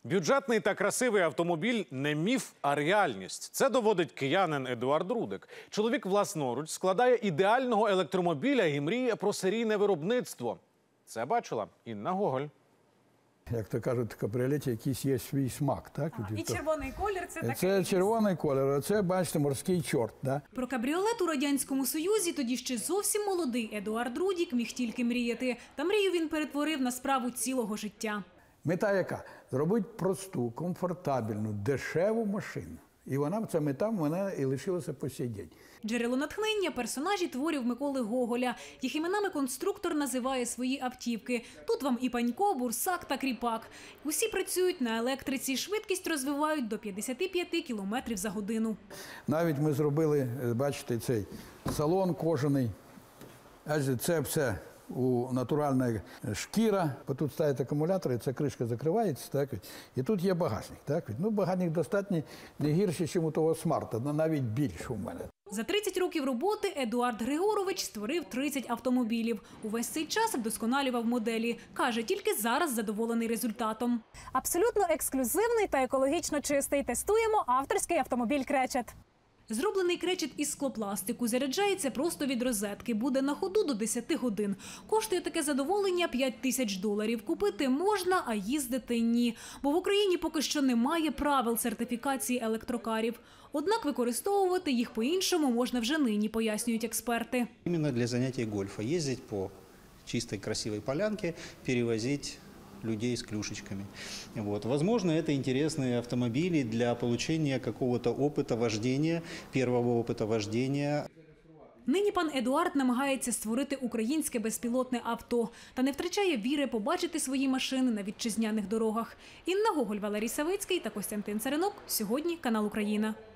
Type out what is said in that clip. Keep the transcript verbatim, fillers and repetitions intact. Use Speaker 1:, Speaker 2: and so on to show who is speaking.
Speaker 1: Бюджетний та красивий автомобіль – не міф, а реальність. Це доводить киянин Едуард Рудик. Чоловік власноруч складає ідеального електромобіля і мріє про серійне виробництво. Це бачила Інна Гоголь.
Speaker 2: Як то кажуть, в кабріолеті якийсь є свій смак, так?
Speaker 3: А, і червоний колір – це такий.
Speaker 2: Це червоний колір, а це, бачите, морський чорт, да?
Speaker 3: Про кабріолет у Радянському Союзі тоді ще зовсім молодий Едуард Рудик міг тільки мріяти. Та мрію він перетворив на справу цілого життя.
Speaker 2: Мета яка? Зробити просту, комфортабельну, дешеву машину. І вона, ця мета в мене і лишилася по сей день.
Speaker 3: Джерело натхнення – персонажі творів Миколи Гоголя. Їх іменами конструктор називає свої автівки. Тут вам і Панько, Бурсак та Кріпак. Усі працюють на електриці, швидкість розвивають до п'ятдесят п'ять кілометрів за годину.
Speaker 2: Навіть ми зробили, бачите, цей салон кожаний. Це все у натуральна шкіра. Тут ставить акумулятори, ця кришка закривається, так? І тут є багажник. Так? Ну, багажник достатньо не гірший, ніж у того смарта, навіть більше у мене.
Speaker 3: За тридцять років роботи Едуард Григорович створив тридцять автомобілів. Увесь цей час вдосконалював моделі. Каже, тільки зараз задоволений результатом.
Speaker 4: Абсолютно ексклюзивний та екологічно чистий. Тестуємо авторський автомобіль «Кречет».
Speaker 3: Зроблений кречет із склопластику, заряджається просто від розетки, буде на ходу до десяти годин. Коштує таке задоволення п'ять тисяч доларів. Купити можна, а їздити ні. Бо в Україні поки що немає правил сертифікації електрокарів. Однак використовувати їх по-іншому можна вже нині, пояснюють експерти.
Speaker 5: Іменно для заняття гольфа. Їздити по чистій, красивій полянці, перевозити людей с клюшечками. Вот. Возможно, это интересные автомобили для получения какого-то опыта вождения, первого опыта вождения.
Speaker 3: Нині пан Едуард намагається створити українське безпілотне авто та не втрачає віри побачити свої машини на вітчизняних дорогах. Інна Гоголь, Валерій Савицький та Костянтин Царинок. Сьогодні канал «Україна».